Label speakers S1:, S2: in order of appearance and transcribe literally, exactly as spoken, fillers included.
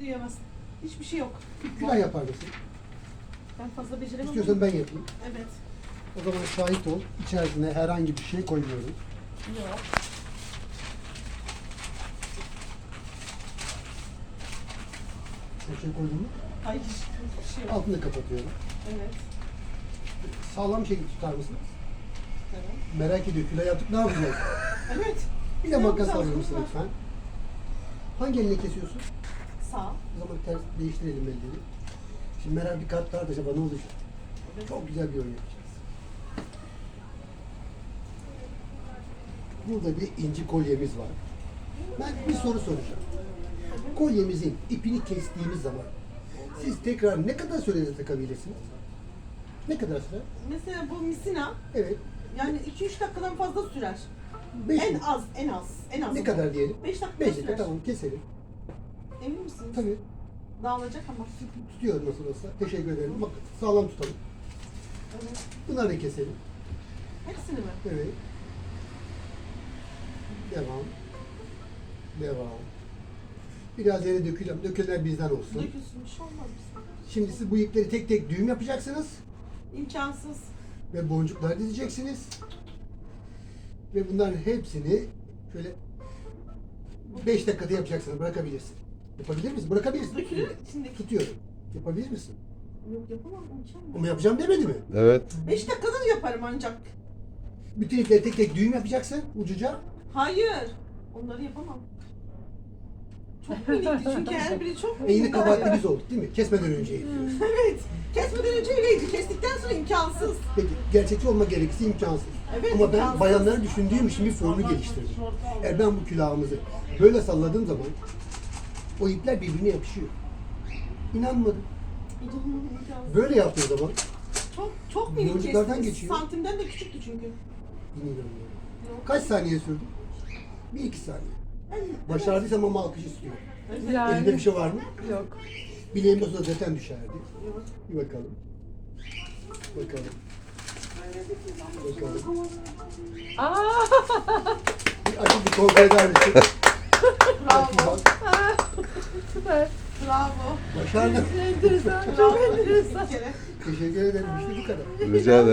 S1: Diyemezsin. Hiçbir şey yok.
S2: Külah yapar mısın?
S1: Ben fazla beceremem.
S2: İstiyorsan ben yapayım.
S1: Evet.
S2: O zaman şahit ol. İçerisine herhangi bir şey koymuyorum.
S1: Yok.
S2: Bir şey koydun mu?
S1: Hayır. Hiçbir şey yok.
S2: Altını kapatıyorum.
S1: Evet.
S2: Sağlam bir şekilde tutar mısınız?
S1: Evet.
S2: Merak ediyor. Külah yaptık ne yapacağız?
S1: Evet.
S2: Bir de
S1: Ne
S2: makas
S1: yapacağız
S2: alır mısın
S1: bunlar?
S2: lütfen? Hangi elini kesiyorsun?
S1: Sağ.
S2: O zaman ters değiştirelim elleri. Şimdi merak bir kat var da acaba ne olacak?
S1: Evet.
S2: Çok güzel bir oyun yapacağız. Burada bir inci kolyemiz var. Ben bir soru soracağım. Kolyemizin ipini kestiğimiz zaman siz tekrar ne kadar sürede takabilirsiniz? Ne kadar sürer?
S1: Mesela bu misina
S2: Evet.
S1: yani iki üç dakikadan fazla sürer.
S2: Beş
S1: En
S2: mi?
S1: az, en az, en az.
S2: Ne kadar diyelim?
S1: beş dakika
S2: Beş
S1: sürer.
S2: dakika tamam keselim.
S1: Emin misiniz?
S2: Tabii.
S1: Dağılacak ama.
S2: Tutuyorum nasıl olsa. Teşekkür ederim. Bak sağlam tutalım.
S1: Evet.
S2: Bunları da keselim.
S1: Hepsini mi?
S2: Evet. Devam. Devam. Biraz yere dökülelim. Dökülenler bizden olsun.
S1: Dökülsün, bir şey olmaz mı?
S2: Şimdi siz bu ipleri tek tek düğüm yapacaksınız.
S1: İmkansız.
S2: Ve boncuklar dizeceksiniz. Ve bunların hepsini şöyle beş dakikada yapacaksınız. Bırakabilirsin. Yapabilir misin? Bırakabilirsin.
S1: Dökülür içindeki.
S2: Tutuyorum. Yapabilir misin?
S1: Yok yapamam, imkan
S2: Ama yapacağım demedi mi?
S3: Evet.
S1: beş dakikada da yaparım ancak.
S2: Bütün ipleri tek tek düğüm yapacaksın ucuca.
S1: Hayır. Onları yapamam. Çok minikti çünkü her biri çok minik.
S2: E yine kabahatli biz olduk değil mi? Kesmeden önce yapıyoruz.
S1: Evet. Kesmeden önce öyleydi. Kestikten sonra imkansız.
S2: Peki gerçekçi olma gerekirse imkansız.
S1: Evet,
S2: Ama ben
S1: imkansız.
S2: bayanları düşündüğüm için bir formül geliştirdim. Eğer ben bu külahımızı böyle salladığım zaman o ipler birbirine yapışıyor. İnanmadım.
S1: İmkansız.
S2: Böyle yaptığı zaman
S1: Çok çok minik
S2: Boncuklardan
S1: kestiniz.
S2: geçiyor.
S1: Santimden de küçüktü çünkü.
S2: inanamıyorum.
S1: Yok.
S2: Kaç saniye sürdü? Bir iki saniye. Başardıysam ama alkış istiyorum.
S1: Evet.
S2: Elinde bir şey var mı?
S1: Yok.
S2: Bileğim olsa zaten düşerdi.
S1: Yok.
S2: Bir bakalım. Bakalım. Bakalım.
S4: Aa!
S2: Bir açıp bir kontrol eder misin?
S1: Bravo.
S4: Süper.
S1: Bravo.
S2: Başardım.
S4: Enteresan.
S1: Bravo.
S4: Çok enteresan.
S1: Bir kere.
S2: Teşekkür ederim. İşte bu kadar.
S3: Rica ederim.